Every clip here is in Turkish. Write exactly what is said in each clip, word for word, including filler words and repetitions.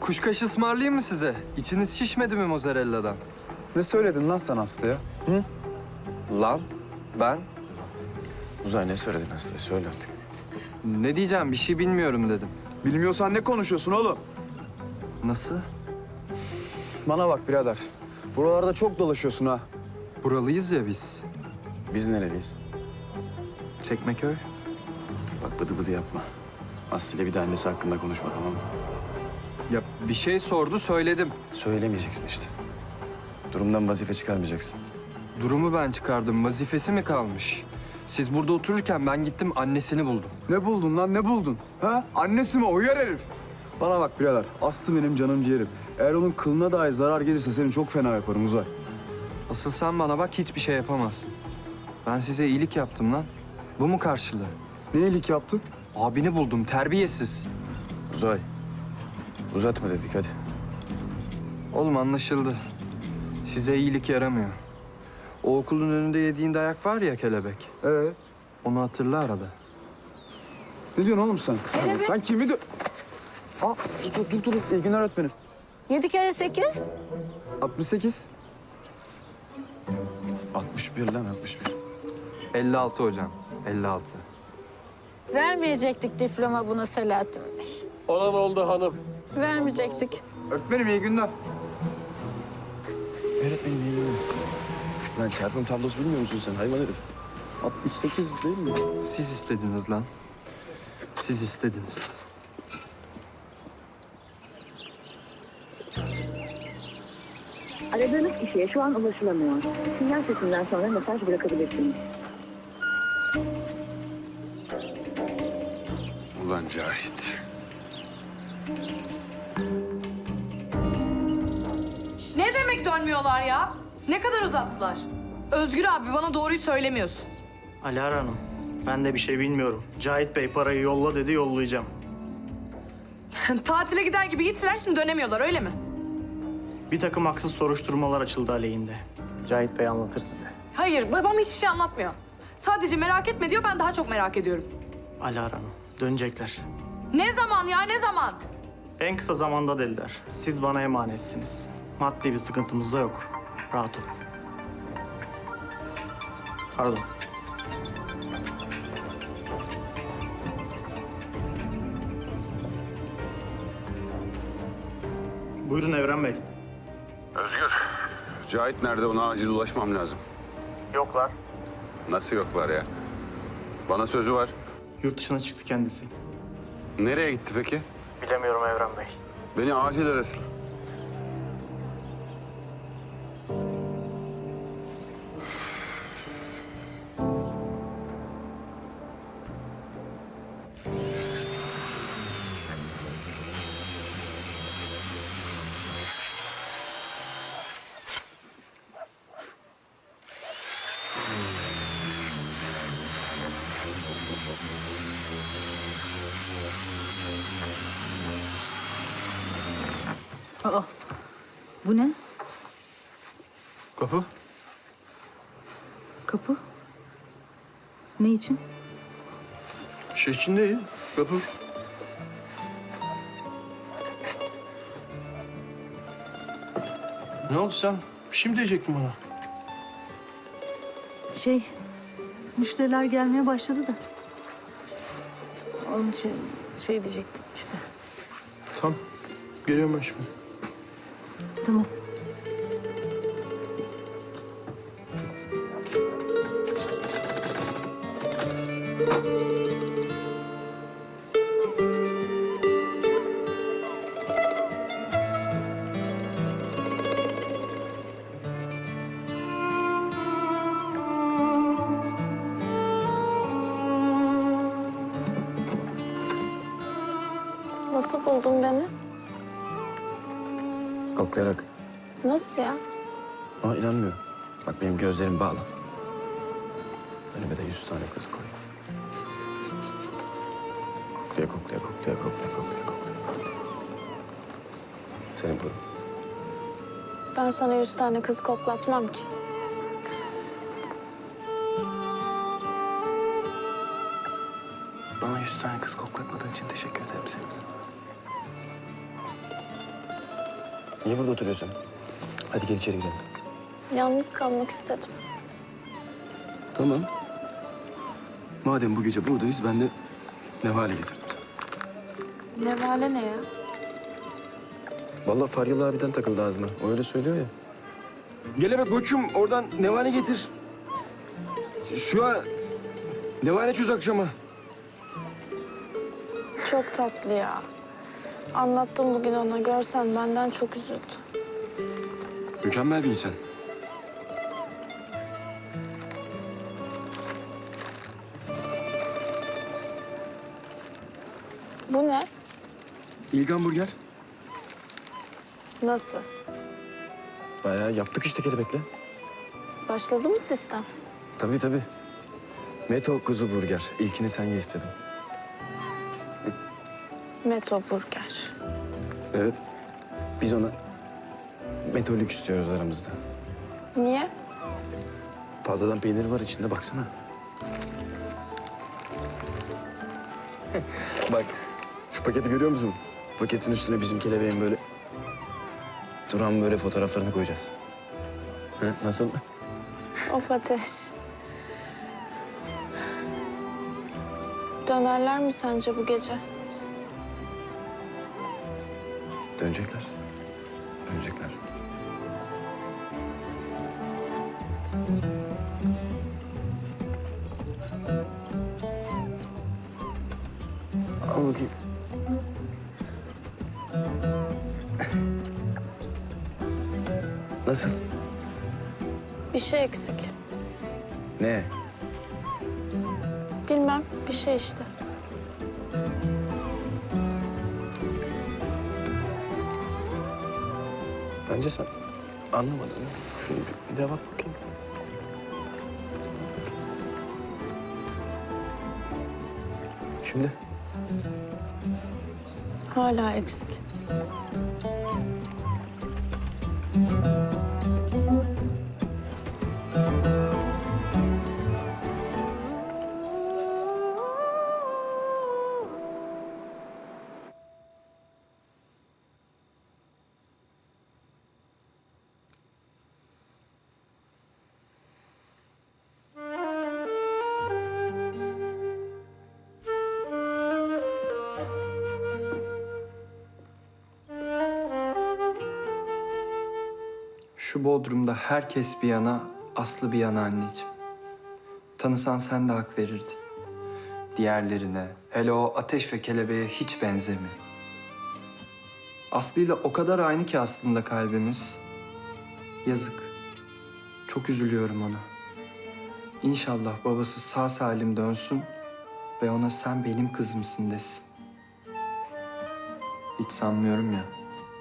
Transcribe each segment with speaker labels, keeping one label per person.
Speaker 1: kuşkaş ısmarlayayım mı size? İçiniz şişmedi mi mozzarella'dan?
Speaker 2: Ne söyledin lan sen Aslı'ya? Hı?
Speaker 1: Lan ben
Speaker 2: Uzay ne söyledin Aslı'ya? Söyle artık.
Speaker 1: ne diyeceğim bir şey bilmiyorum dedim.
Speaker 2: Bilmiyorsan ne konuşuyorsun oğlum?
Speaker 1: Nasıl?
Speaker 2: Bana bak birader. Buralarda çok dolaşıyorsun ha.
Speaker 1: Buralıyız ya biz.
Speaker 2: Biz nereliyiz?
Speaker 1: Çekmeköy.
Speaker 2: Bak bıdı bıdı yapma. Aslı'yla bir de annesi hakkında konuşma, tamam mı?
Speaker 1: Ya bir şey sordu söyledim.
Speaker 2: Söylemeyeceksin işte. Durumdan vazife çıkarmayacaksın.
Speaker 1: Durumu ben çıkardım. Vazifesi mi kalmış? Siz burada otururken ben gittim annesini buldum.
Speaker 2: Ne buldun lan, ne buldun? Ha? Annesi mi? Uyar herif. Bana bak birader, Aslı benim canım ciğerim. Eğer onun kılına dahi zarar gelirse seni çok fena yaparım Uzay.
Speaker 1: Asıl sen bana bak hiçbir şey yapamazsın. Ben size iyilik yaptım lan. Bu mu karşılığı?
Speaker 2: Ne iyilik yaptın?
Speaker 1: Abini buldum terbiyesiz.
Speaker 2: Uzay, uzatma dedik hadi.
Speaker 1: Oğlum anlaşıldı. Size iyilik yaramıyor. O okulun önünde yediğin dayak var ya kelebek.
Speaker 2: Ee,
Speaker 1: Onu hatırla arada.
Speaker 2: ne diyorsun oğlum sen?
Speaker 3: Kelebek.
Speaker 2: Sen kimi dö... Aa, dur, dur, dur, dur. İyi günler öğretmenim.
Speaker 3: Yedi kere sekiz.
Speaker 2: altmış sekiz. altmış bir lan, altmış bir.
Speaker 1: elli altı hocam. elli altı.
Speaker 3: Vermeyecektik diploma buna Selahattin Bey.
Speaker 4: Olan oldu hanım.
Speaker 3: Vermeyecektik.
Speaker 2: Öğretmenim iyi günler. Öğretmenim iyi günler. Lan çarpım tablosu bilmiyor musun sen hayvan herif? altmış sekiz değil mi?
Speaker 1: Siz istediniz lan. Siz istediniz.
Speaker 5: Aradığınız kişiye şu an ulaşılamıyor. Sinyal sesinden sonra mesaj bırakabilirsiniz.
Speaker 2: Ulan Cahit.
Speaker 6: Ne demek dönmüyorlar ya? Ne kadar uzattılar? Özgür abi bana doğruyu söylemiyorsun.
Speaker 7: Alara Hanım, ben de bir şey bilmiyorum. Cahit Bey parayı yolla dedi, yollayacağım.
Speaker 6: Tatile gider gibi gittiler şimdi dönemiyorlar öyle mi?
Speaker 7: Bir takım haksız soruşturmalar açıldı aleyhinde. Cahit Bey anlatır size.
Speaker 6: Hayır babam hiçbir şey anlatmıyor. Sadece merak etme diyor ben daha çok merak ediyorum.
Speaker 7: Alara Hanım, dönecekler.
Speaker 6: Ne zaman ya ne zaman?
Speaker 7: En kısa zamanda dediler. Siz bana emanetsiniz. Maddi bir sıkıntımız da yok. Rahat olun. Pardon. Buyurun Evren Bey.
Speaker 8: Özgür, Cahit nerede? Ona acil ulaşmam lazım.
Speaker 7: Yoklar.
Speaker 8: Nasıl yoklar ya? Bana sözü var.
Speaker 7: Yurt dışına çıktı kendisi.
Speaker 8: Nereye gitti peki?
Speaker 7: Bilemiyorum Evren Bey.
Speaker 8: Beni acil arasın.
Speaker 9: Aa, bu ne?
Speaker 4: Kapı.
Speaker 9: Kapı. Ne için?
Speaker 4: Bir şey için değil. Kapı. Ne oldu sen? Bir şey mi diyecektin bana?
Speaker 9: Şey, müşteriler gelmeye başladı da. Onun için şey diyecektim işte.
Speaker 4: Tamam. Geliyorum ben şimdi.
Speaker 9: Tamam.
Speaker 10: Nasıl buldun beni?
Speaker 2: Koklayarak.
Speaker 10: Nasıl ya?
Speaker 2: Aa inanmıyorum. Bak benim gözlerim bağlı. Önüme de yüz tane kız koy. Koklaya koklaya koklaya koklaya koklaya koklaya. Senin bu.
Speaker 10: Ben sana yüz tane kız koklatmam ki.
Speaker 2: Bana yüz tane kız koklatmadığın için teşekkür ederim senin.
Speaker 11: Niye burada oturuyorsun? Hadi gel içeri girelim.
Speaker 10: Yalnız kalmak istedim.
Speaker 11: Tamam. Madem bu gece buradayız, ben de nevale getirdim sana.
Speaker 10: Nevale ne ya?
Speaker 11: Vallahi Faryalı abiden takıldı ağzıma. O öyle söylüyor ya. Gel eve koçum, oradan nevale getir. Şu an nevale çöz akşama.
Speaker 10: Çok tatlı ya. Anlattım bugün ona. Görsen benden çok üzüldü.
Speaker 11: Mükemmel bir insan.
Speaker 10: Bu ne?
Speaker 11: İlgan Burger.
Speaker 10: Nasıl?
Speaker 11: Bayağı yaptık işte kelebekle.
Speaker 10: Başladı mı sistem?
Speaker 11: Tabii tabii. Meto kuzu burger. İlkini sen ye istedim.
Speaker 10: Meto Burger.
Speaker 11: Evet. Biz ona Meto lüks diyoruz aramızda.
Speaker 10: Niye?
Speaker 11: Fazladan peynir var içinde, baksana. Bak, şu paketi görüyor musun? Paketin üstüne bizim kelebeğin böyle duran böyle fotoğraflarını koyacağız. Ha, nasıl?
Speaker 10: Of Ateş. Dönerler mi sence bu gece?
Speaker 11: Dönecekler. Dönecekler. Al bakayım. Nasıl?
Speaker 10: Bir şey eksik.
Speaker 11: Ne?
Speaker 10: Bilmem, bir şey işte.
Speaker 11: Bence sen anlamadın. Şöyle bir, bir daha bak bakayım. Şimdi?
Speaker 10: Hala eksik.
Speaker 1: Şu Bodrum'da herkes bir yana, Aslı bir yana anneciğim. Tanısan sen de hak verirdin. Diğerlerine, hele o ateş ve kelebeğe hiç benzemiyor. Aslı'yla o kadar aynı ki aslında kalbimiz. Yazık. Çok üzülüyorum ona. İnşallah babası sağ salim dönsün ve ona sen benim kızımsın desin. Hiç sanmıyorum ya.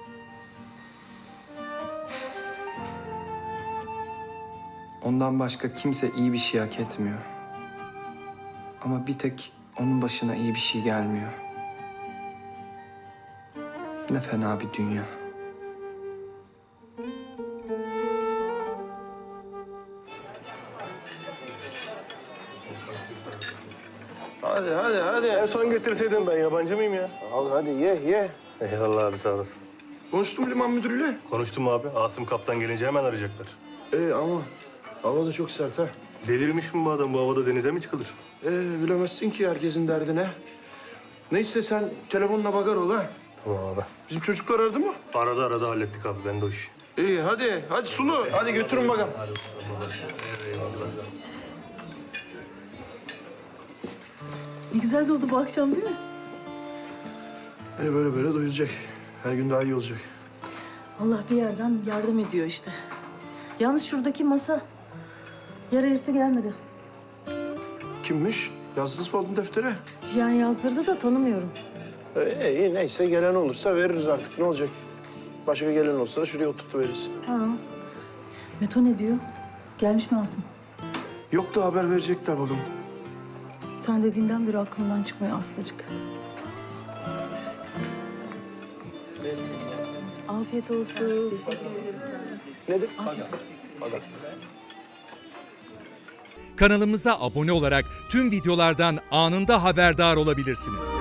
Speaker 1: Ondan başka kimse iyi bir şey hak etmiyor. Ama bir tek onun başına iyi bir şey gelmiyor. Ne fena bir dünya.
Speaker 4: Hadi hadi hadi. En son getirseydin, ben yabancı mıyım ya?
Speaker 11: Al hadi ye ye.
Speaker 4: Eyvallah abi, sağ olasın.
Speaker 11: Konuştum liman müdürüyle.
Speaker 4: Konuştum abi. Asım kaptan gelince hemen arayacaklar.
Speaker 11: Ee, ama hava da çok sert ha.
Speaker 4: Delirmiş mi bu adam? Bu havada denize mi çıkılır?
Speaker 11: Ee, bilemezsin ki herkesin derdine. Neyse sen telefonuna bakar ol ha.
Speaker 4: Tamam abi.
Speaker 11: Bizim çocuklar aradı mı?
Speaker 4: Arada arada hallettik abi. Ben de o işi.
Speaker 11: İyi hadi. Hadi Sunu. Hadi götürün bakalım.
Speaker 9: Ne güzel de oldu bu akşam değil mi?
Speaker 11: Ee, böyle böyle doyulacak. Her gün daha iyi olacak.
Speaker 9: Allah bir yerden yardım ediyor işte. Yalnız şuradaki masa yer ayırttı gelmedi.
Speaker 11: Kimmiş? Yazdınız mı adın deftere?
Speaker 9: Yani yazdırdı da tanımıyorum.
Speaker 12: Ee, iyi neyse gelen olursa veririz artık ne olacak? Başka gelen olsa da şuraya oturtuveririz.
Speaker 9: Ha. Meto ne diyor? Gelmiş mi Asım?
Speaker 11: Yok da haber verecekler bakalım.
Speaker 9: Sen dediğinden beri aklımdan çıkmıyor Aslıcık. Afiyet olsun.
Speaker 12: Nedir?
Speaker 9: Afiyet olsun.
Speaker 13: Kanalımıza abone olarak tüm videolardan anında haberdar olabilirsiniz.